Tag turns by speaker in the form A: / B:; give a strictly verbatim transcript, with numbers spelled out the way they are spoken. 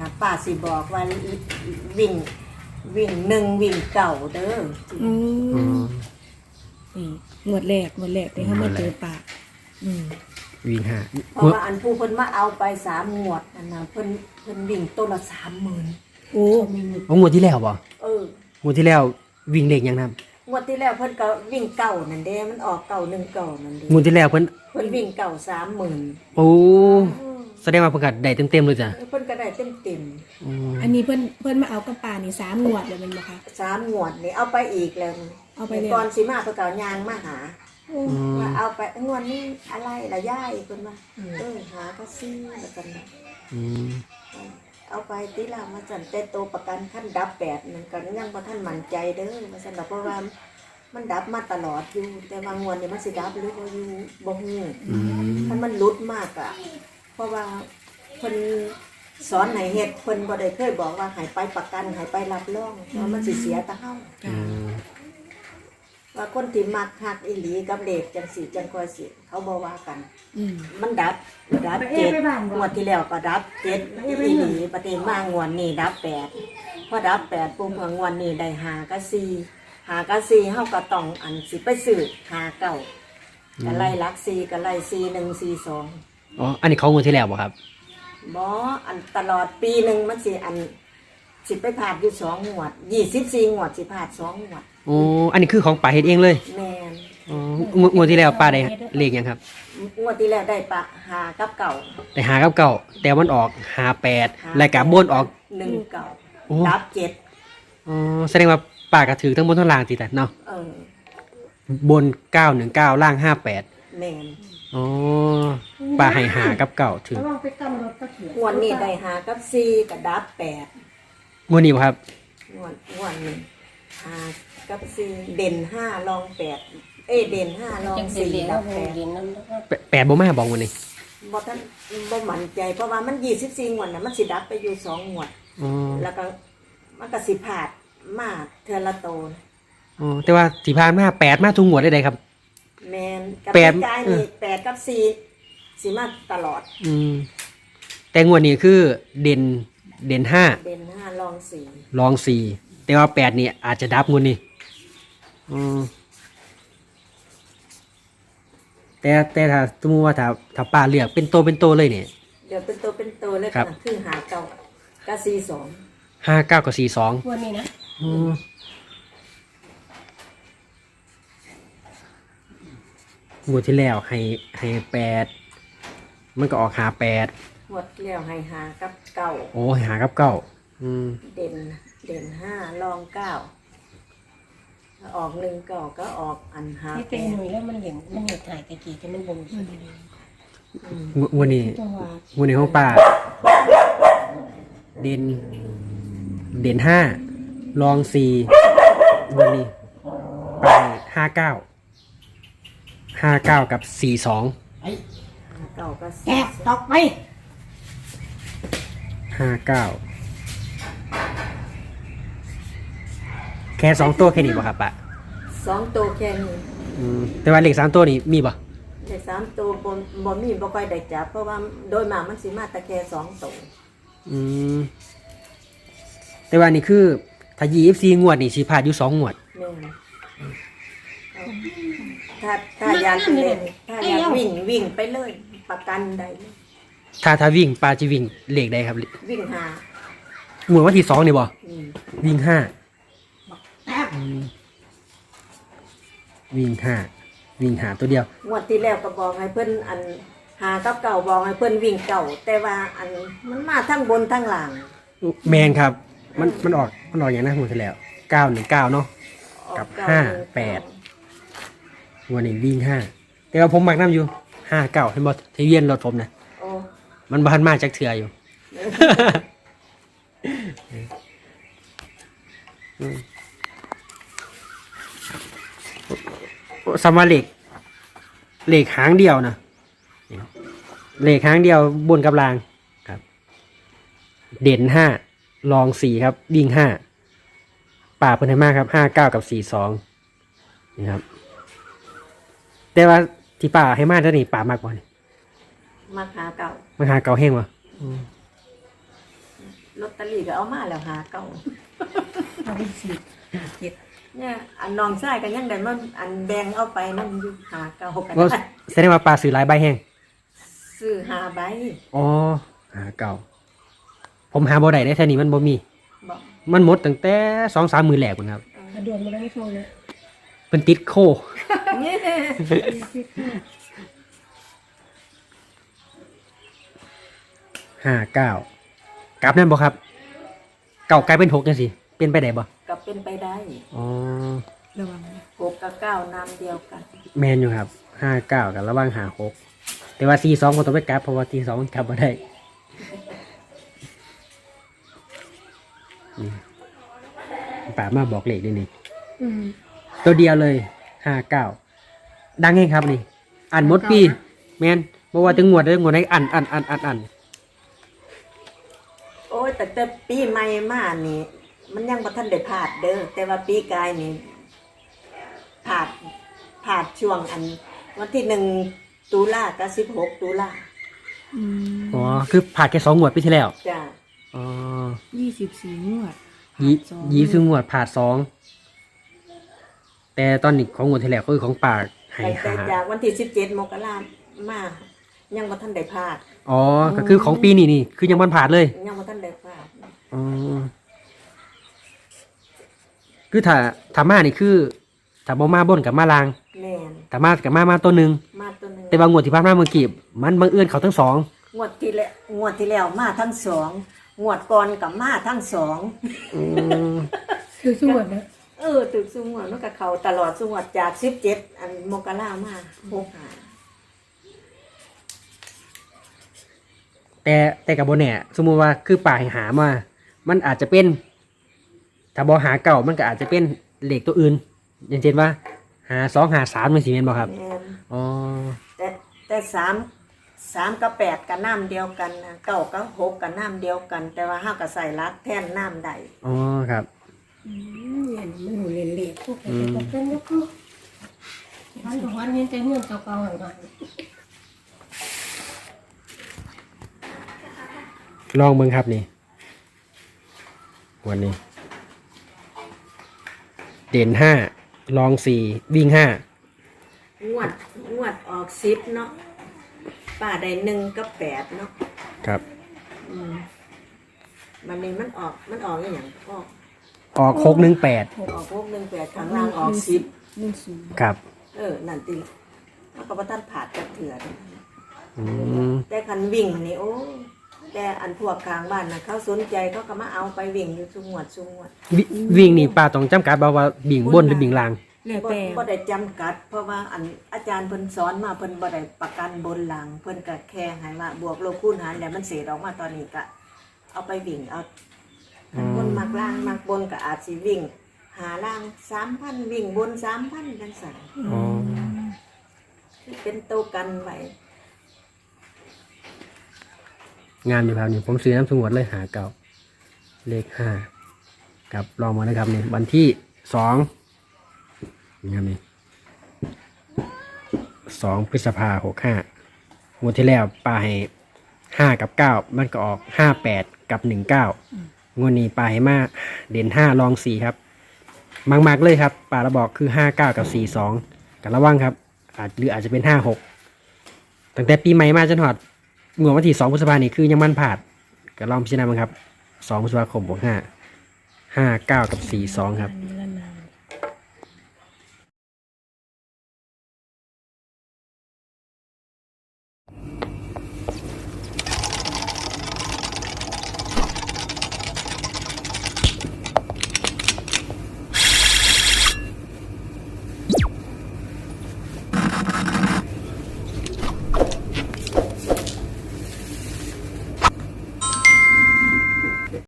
A: ป้าสิบอกว่าวิ่งวิ่งหนึ่งวิ่งเก่าเด้อ
B: อืมนี่งวดแรกงวดแรกที่เขามาเจอปากอืม
C: วิ่งห้า
A: เพราะว่าอันผู้เพิ่นมาเอาไปสามงวดอันน่ะเพิ่นเพิ่นวิ่งต้นละสามหมื่น
B: โอ้
C: โอ้งวดที่แล้วบ่
A: เออง
C: วดที่แล้ววิ่งเลขยังนะครับ
A: งวดที่แล้วเพิ่นก็วิ่งเก่านั่นเด้มันออกเก่าหนึ่งเก่านั่นเด้
C: งวดที่แล้วเพิ่น
A: เพิ่นวิ่งเก่าสามหมื่น
C: โอ้แสดงว่าประกาศได้เต็มๆเลยจ้ะ
A: เพิ่นก็ได้เต็มเต็ม
C: อืม
B: อันนี้เพิ่นเพิ่นมาเอากระป่านี่สามงวดเลยแมันบ่คะ
A: สามงวดนี่เอาไปอีกแล้ว
B: เอาไปแล้ว
A: ก่อนสิมาเพิ่นก็เอายางมาหา
B: โอ้
A: ว่าเอาไปงวดนี้อะไรละย่ายเพิ่นว่าเออหาก็ซื้อแล้วกันนะ
C: อืม
A: เอาไปติลามาจันแต่โตประกันขั้นดับแปดนั่นก็ยังบ่ทันมั่นใจเด้อมาซั่นดอกเพราะว่ามันดับมาตลอดอยู่แต่บางงวดนี่มันสิดับหรือบ่อยู่บ่ฮู้
C: อืม
A: ถ้ามันหลุดมากอ่ะเพราะว่าเพิ่นสอนให้เฮ็ดเพิ่นบ่ได้เคยบอกว่าให้ไปประกันให้ไปรับรองว่ามันสิเสียตาเฮา
C: อืม
A: ว่าคนที่มักฮักอีหลีกับเลขจังสิจังค่อยสิเขาบ่ว่ากัน
B: อืม
A: มันดับดับเจ็ดงวดที่แล้วก็ดับเจ็ดอีหลีประเด็นมางวดนี้ดับแปดพอดับแปดปุ๊บเมื่องวดนี้ได้หากับสี่หากับสี่เฮาก็ต้องอันสิไปซื้อหาเก้าก็ไล่ลักสี่ก็ไล่สี่หนึ่งสี่สอง
C: อ๋ออันนี้เขางวดที่แล้วบ่ครับ
A: บ่อันตลอดปีหนึ่งมันสิอันสิไปผ่านอยู่สองงวดยี่สิบสี่งวดสิผ่านสองงวด
C: โอ้อันนี้คือของป่าเฮ็ดเองเลย
A: แม่น
C: อ๋องวดงวดที่แล้วป้าได้เลขยังครับ
A: งวดที่แล้วได้ปะหากับเก่า
C: ได้หากับเก่าแต่มันออกหาแปดรายการบนออก
A: หนึ่งเก่า
C: โอ้
A: ดับเจ็ด
C: อ๋อแสดงว่าป้าก็ถือทั้งบนทั้งล่างติดแต่เนาะ
A: เออบ
C: นเก้าหนึ่งเก้าล่างห้าแปด
A: แม่น
C: อ๋อป้าให้หากับเก่าถือ
A: งวดนี้ได้หากับสี่กับดับแปด
C: งวดนี้บ่ครับ
A: งวดงวดนี้หากับสี่เด่นห้ารองแปดเอ้ยเด่นห้ารองสี่ดับแปด
C: แปแปดบ่มาบอกงวดนี้
A: บ่ท่านบ่มั่นใจเพราะว่ามันยี่สิบสี่งวดน่ะมันสิดับไปอยู่สองงวด
C: อ๋อ
A: แล้วก็มันก็สิพลาดมาเทือละโต
C: อ๋อแต่ว่าที่ผ่านมาแปดมาทุกงวดได้เลยครับ
A: แมนกับ
C: แปด
A: พี่กายนี่แปดกับสี่สิมาตลอด
C: อืมแต่งวดนี้คือเด่นเด่นห้า
A: เด่นห้ารองสี่
C: รองสี่แต่ว่าแปดนี่อาจจะดับงวดนี้อืมแต่แต่ถ้าสมมติว่าถ้าถ้าป้าเลือกเป็นโตเป็นโตเลยเนี่ย
A: เดี๋ยวเป็นตัวเป็นตัวเลย
C: ครับ
A: ค่ะคือหาเก่ากับสี่สอง
C: ห้าเก้ากับสี่สอง
B: วันนี้นะ
C: อืมงวดที่แล้วให้ให้แปดมันก็ออกหาแปด
A: หมดแล้วให้หากับเก่า
C: โอ้ยหากับเก้าอืม
A: เด่นเด่นห้ารองเก้าออกหนึ่งเก่าก็ออกอันหา
D: ที่
A: แป
D: เป็น
A: ด
D: หน่วยแล้วมันเห็นมันเห็นถ่ายตะกี้แต่มันบ่ง
C: งวงวดนี้
B: จังหวะ
C: งวดนี้ของป้าเด่นเด่นห้าลองสี่งวดนี้ป้าห้าเก้าห้าเก้ากับสี่สอง
D: ไอ้
A: หาเก่าก็
D: แกะตอกไป
C: ห้าเก้าแค่สองตัวแค่นี้ป่ะครับป้า
A: สองตัวแค่นี้
C: อืมแต่ว่าเลขสามตัวนี้มีป่ะ
A: แต่สามตัวบนบ่มีบ่ค่อยได้จับเพราะว่าโดยมากมันสิมาแต่แค่สองตัว
C: อืมแต่ว่านี่คือถ้ายี่สิบสี่งวดนี่สิพลาดอยู่สองงวด
A: แม่นเอาถ้าถ้าอยากเล่นถ้าอยากวิ่งวิ่งไปเลยประกันใดเลย
C: ถ้าถ้าวิ่งปลาจะวิ่งเลขใดครับ
A: วิ่งหาง
C: วดวันที่สองนี่บ่
A: อืม
C: วิ่งห้า
D: แป๊บ
C: อืมวิ่งห้าวิ่งหาตัวเดียว
A: งวดที่แล้วก็บอกให้เพิ่นอันหากับเก่าบอกให้เพิ่นวิ่งเก่า แต่ว่าอันมันมาทั้งบนทั้งล่าง
C: แมนครับ มันมันออกมันออกอย่างนั้นหมดแล้วเก้าหนึ่งเก้าเนาะ
A: ออ
C: กับ
A: เก่
C: ห้า
A: นึ่ง
C: แปด วันนี้วิ่งห้าแต่ว่าผมมักน้ำอยู่ห้าเก้าเห็นบ่ทะเบียนรถผมนะ
A: โอ้
C: มันบ้านมาจากเถื่ออยู่ สมมาเหล็กเหล็กหางเดียวนะเหล็กหางเดียวบนกับรางครับ เด่นห้ารองสี่ครับ วิ่งห้าป่าเพิ่นให้มากครับห้าเก้ากับสี่สองนี่ครับ แต่ว่าที่ป่าให้มากเท่านี้ป่ามากกว่านี่
A: มาหาเก่า
C: มันหาเก่าแห้งวะ
A: หลอตเตอรี่ก็เอามาแล้วหาเก้า
D: เอาไปสิเจ็ด
A: เนี่ยอันน้องชายก็ยังได้มันอันแบ่งเอาไปนั่นอยู่หาเก้ากัน
C: ว่าแสดงว่าปลาซื้อหลายใบแห้ง
A: ซื้อหาใบ
C: อ๋อหาเก่า ผมหาบ่ได้ได้แค่นี้มันบ่มี
A: บอก
C: มันหมดตั้งแต่สองสามมือแหลกพุ่นครับ
D: กระโดดมาได้ไม่ฟังเลย
C: เป็นติดโค
A: เนี่ย
C: ห้าเก้ากลับนั่นบ่ครับ เก่ากลายเป็นหกจังสิเป็นไปได้บ่
A: ก็เป็นไปได้
C: อ๋อ
B: ระวังนะ
A: หกกับเก้าน้ำเดียวกัน
C: แมนอยู่ครับห้าเก้ากับระหว่างหาหกแต่ว่าสี่สองก็ต้องไปกลับเพราะว่าสี่สองมันกลับมาได้นี่ป่ามาบอกเลขด้วยนี่
B: อืม
C: ตัวเดียวเลยห้าเก้าดังไงครับนี่อ่านหมดปี แมนบอกว่าถึงงวดได้งวดได้อ่านอ่านอ่านอ่านอ่าน
A: โอ้ยแต่แต่ปีใหม่มานี่ มันยังบ่ทันได้พลาดเด้อแต่ว่าปีกายนี่พลาดพลาดช่วงอัน วันที่หนึ่งตุลากับสิบหกตุลา
B: อืม
C: อ๋อคือผ่านแค่สองงวดปีที่แล้ว
A: จ้ะ
C: อ๋อ
B: ยี่สิบสี่งวด
C: ยี่
B: สอง
C: ยี่สิบงวดผ่านสองแต่ตอนนี้ของงวดที่แล้วก็คือของปากให้
A: แต่
C: หา
A: จากวันที่สิบเจ็ดมกรามา ยังบ่ทันได้พลาด
C: อ๋อ ก็คือของปีนี้นี่ คือยังมันผ่านเลย
A: ยังบ่ทันได้พลาด
C: อ๋อ คือถ้าถ้ามานี่คือถ้าบ่มาบนกับมาลาง
A: แม่น
C: ถ้ามากับมามาตัวหนึ่ง
A: มาตัวหนึง
C: แต่บางงวดที่ผ่านมาเมื่อกี้มันบังเอิญเขาทั้งสอง
A: งวดที่แล้วงวดที่แล้วมาทั้งสองงวดก่อนกับมาทั้งสอง
C: อืม
B: คือสวดนะ
A: เออตึกสุงวดมันกับเขาตลอดสุงวดจากสิบเจ็ดอันมกรามาหกหา
C: แต่แต่กับโบแน่สมมุติว่าคือป่าให้หามา มันอาจจะเป็น ถ้าบอหาเก่ามันก็อาจจะเป็นเลขตัวอื่น อย่างเช่นว่า หาสองหาสามมันสีเมนบอครับ
A: แม่น
C: อ๋อ
A: แต่แต่สามสามกับแปดกับน้ำเดียวกันนะเก้ากับหกกับน้ำเดียวกัน แต่ว่าห้ากับใส่รักแท่นน้ำใด
C: อ๋อครับ
D: อืมเนี่ยมันหนูเรียนเรียนพวกไปจะบอกเป็นยกลูกวันต่อวันนี้จะเงื่อนเก่าๆห่าง
C: ลองเบิ่งครับนี่ วันนี้ เด่นห้าลองสี่วิ่งห้าง
A: วดงวดออกสิบเนาะป่าได้หนึ่งกับแปดเนาะ
C: ครับ
A: อืมมันนี่มันออกมันออกอย่างออก
C: ออกหกหนึ่งแปด
A: ออกพวกหนึ่งแปดข้างล่างออกสิบ
B: หนึ่งศูนย์
C: ครับ
A: เออนั่นติแล้วก็บ่ทันผ่าดกับเถื่อน
C: อืม
A: แต่คันวิ่งนี่โอ้แต่อันพวกกลางบ้านนะเขาสนใจเขาก็มาเอาไปวิ่งอยู่สุงวดสุงวด
C: วิวิ่งนี่ป้าต้องจำกัดบ่าว่าบิ่งบนหรือบิ่งล่าง
B: แล้ว
A: บ่
B: แต่
A: บ่ได้จำกัด เพราะว่าอันอาจารย์เพิ่นสอนมาเพิ่นบ่ได้ประกันบนหลัง เพิ่นก็แค่ให้ว่าบวกลบคูณหารแล้วมันเศษออกมาตอนนี้ก็เอาไปวิ่งเอาคันคนมักล่างมักบนก็อาจสิวิ่ง หาล่างสามพันวิ่งบนสามพันจังซั่น
C: อ๋อ
A: เป็นตัวกันไว้
C: งานอยู่ครับนี่ผมซื้อน้ำสงวนเลยหาเก่า เลขห้ากับลองมานะครับนี่วันที่สองนี่ครับนี่สองพฤษภาหกห้างวดที่แล้วปลาให้ห้ากับเก้ามันก็ออกห้าแปดกับหนึ่งเก้างวดนี้ปลาให้มาเด่นห้าลองสี่ครับมากๆเลยครับปลาระบอกคือห้าเก้ากับสี่สองกับระวังครับ อาจหรืออาจจะเป็นห้าหกตั้งแต่ปีใหม่มาจนหอดงวดวันที่สองพฤษภานี่คือยังมันผ่านก็ลองพิจารณาบ้างครับสองพฤษภาคมบวกห้าห้าเก้ากับสี่สองครับ
B: เล